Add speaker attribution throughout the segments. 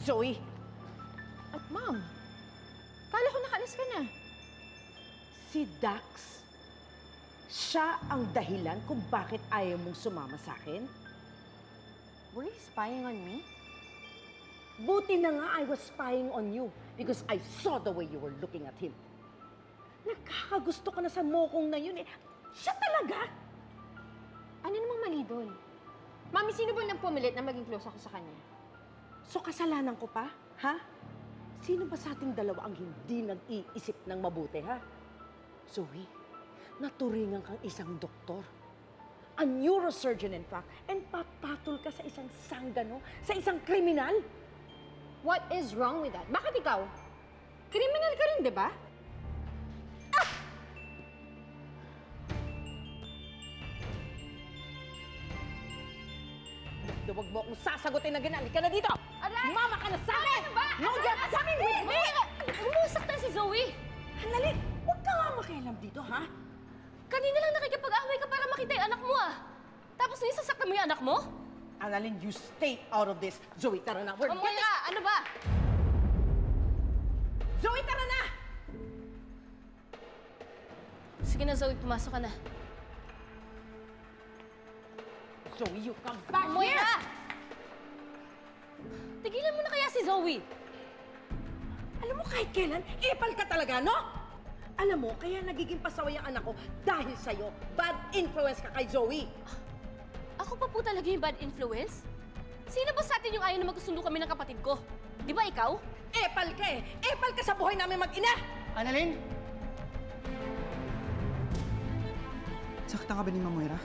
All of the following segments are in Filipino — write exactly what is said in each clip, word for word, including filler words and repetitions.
Speaker 1: Zoe!
Speaker 2: At ma'am, kala ko nakaalis ka na.
Speaker 1: Si Dax, siya ang dahilan kung bakit ayaw mong sumama sa akin?
Speaker 2: Were you spying on me?
Speaker 1: Buti na nga I was spying on you because I saw the way you were looking at him. Nagkakagusto ka na sa mokong na yun eh. Siya talaga!
Speaker 2: Ano namang mali doon? Mami, sino ba nang pumilit na maging close ako sa kanya?
Speaker 1: So kasalanan ko pa, ha? Sino ba sa ating dalawa ang hindi nag-iisip ng mabuti, ha? Zoe, naturingan kang isang doktor. A neurosurgeon, in fact, and papatol ka sa isang sanggano, sa isang kriminal.
Speaker 2: What is wrong with that? Bakit ikaw? Kriminal ka rin, di ba?
Speaker 1: Huwag mo akong sasagutin na ganyan. Halika na dito!
Speaker 2: Aray!
Speaker 1: Sumama ka na sa akin!
Speaker 2: Ano ba?
Speaker 1: No, you're coming with me!
Speaker 3: Umusaktan si Zoe!
Speaker 1: Hanali! Huwag ka nga makialam dito, ha?
Speaker 3: Kanina lang nakikipag-away ka para makita yung anak mo ah! Tapos nisasaktan mo yung anak mo?
Speaker 1: Annalyn, you stay out of this. Zoe, tara na. We're
Speaker 3: Mamoy ka! Ano ba?
Speaker 1: Zoe, tara na!
Speaker 3: Sige na Zoe, pumasok ka na.
Speaker 1: Zoe, you come back
Speaker 3: Mamoy
Speaker 1: here!
Speaker 3: ka! Tigilan mo na kaya si Zoe!
Speaker 1: Alam mo, kahit kailan, epal ka talaga, no? Alam mo, kaya nagiging pasaway ang anak ko dahil sa'yo. Bad influence ka kay Zoe.
Speaker 3: Ako pa po talaga yung bad influence? Sino ba sa atin yung ayaw na magkasundo kami ng kapatid ko? Di ba ikaw?
Speaker 1: Epal ka eh! Epal ka sa buhay namin mag-ina!
Speaker 4: Annalyn? Saktan ka ba ni Mamoyra?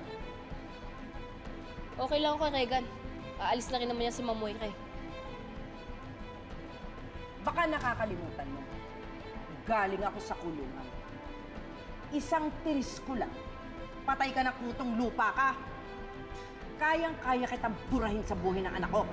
Speaker 3: Okay lang ako kay Regan. Aalis na rin naman yan si Mamoy kay.
Speaker 1: Baka nakakalimutan mo. Galing ako sa kulungan. Isang tiris ko lang. Patay ka na kutong lupa ka. Kayang-kaya kitang burahin sa buhay ng anak ko.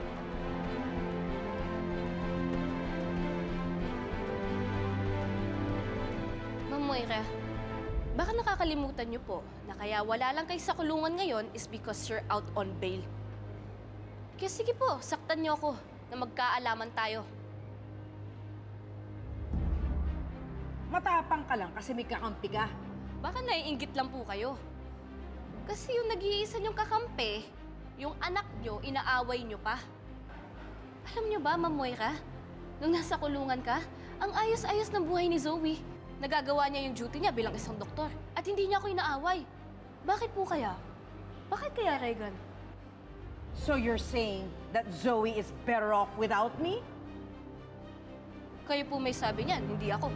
Speaker 3: Ma'am Moira, baka nakakalimutan niyo po na kaya wala lang kayo sa kulungan ngayon is because you're out on bail. Kaya sige po, saktan niyo ako na magkaalaman tayo.
Speaker 1: Matapang ka lang kasi may kakampi ka.
Speaker 3: Baka naiinggit lang po kayo. Kasi yung nag-iisa niyong kakampi, yung anak niyo, inaaway niyo pa. Alam niyo ba, Ma'am Moira, nung nasa kulungan ka, ang ayos-ayos ng buhay ni Zoe. Nagagawa niya yung duty niya bilang isang doktor. At hindi niya ako inaaway. Bakit po kaya? Bakit kaya, Regan?
Speaker 1: So you're saying that Zoe is better off without me?
Speaker 3: Kayo po may sabi niyan, hindi ako.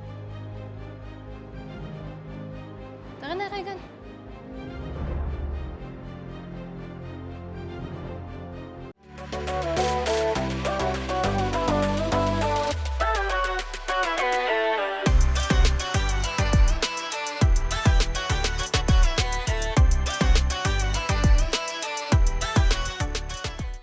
Speaker 3: Tara na, Regan.
Speaker 5: Thank you.